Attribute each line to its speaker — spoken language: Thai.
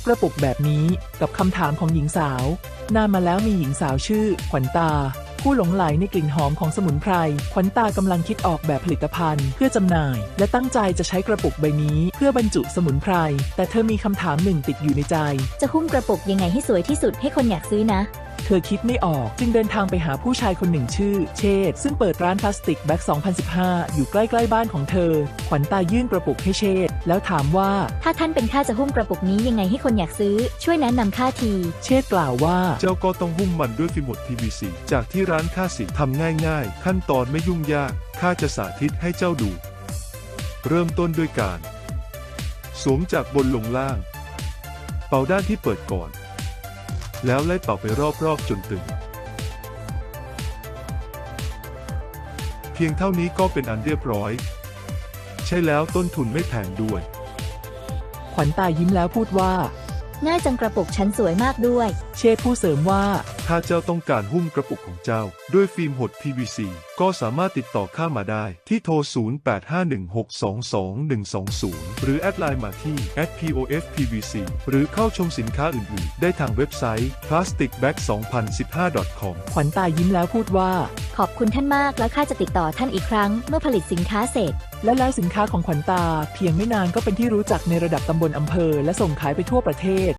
Speaker 1: กระปุกแบบนี้กับคำถามของหญิงสาวนานมาแล้วมีหญิงสาวชื่อขวัญตาผู้หลงใหลในกลิ่นหอมของสมุนไพรขวัญตากำลังคิดออกแบบผลิตภัณฑ์เพื่อจำหน่ายและตั้งใจจะใช้กระปุกใบนี้เพื่อบรรจุสมุนไพรแต่เธอมีคำถามหนึ่งติดอยู่ในใจ
Speaker 2: จะหุ้มกระปุกยังไงให้สวยที่สุดให้คนอยากซื้อนะ
Speaker 1: เธอคิดไม่ออกจึงเดินทางไปหาผู้ชายคนหนึ่งชื่อเชษซึ่งเปิดร้านพลาสติกแบ็ค2015อยู่ใกล้ๆบ้านของเธอขวัญตายื่นกระปุกให้เชษแล้วถามว่า
Speaker 2: ถ้าท่านเป็นข้าจะหุ้มกระปุกนี้ยังไงให้คนอยากซื้อช่วยแนะนำข้าที
Speaker 1: เชษกล่าวว่า
Speaker 3: เจ้าก็ต้องหุ้มมันด้วยฟิล์มหด PVC จากที่ร้านข้าสิทำง่ายๆขั้นตอนไม่ยุ่งยากข้าจะสาธิตให้เจ้าดูเริ่มต้นด้วยการสวมจากบนลงล่างเป่าด้านที่เปิดก่อนแล้วไล่เป่าไปรอบๆจนตึงเพียงเท่านี้ก็เป็นอันเรียบร้อยใช่แล้วต้นทุนไม่แพงด้วย
Speaker 1: ขวัญตายิ้มแล้วพูดว่า
Speaker 2: ง่ายจังกระปุกฉันสวยมากด้วย
Speaker 1: เชษผู้เสริมว่า
Speaker 3: ถ้าเจ้าต้องการหุ้มกระปุกของเจ้าด้วยฟิล์มหด PVC ก็สามารถติดต่อข้ามาได้ที่โทร 0851622120 หรือแอดไลน์มาที่ @POFPVC หรือเข้าชมสินค้าอื่นๆได้ทางเว็บไซต์ plasticbag2015.com
Speaker 1: ขวัญตายิ้มแล้วพูดว่า
Speaker 2: ขอบคุณท่านมากแล้วข้าจะติดต่อท่านอีกครั้งเมื่อผลิตสินค้าเสร็จ
Speaker 1: และแล้วสินค้าของขวัญตาเพียงไม่นานก็เป็นที่รู้จักในระดับตำบลอำเภอและส่งขายไปทั่วประเทศ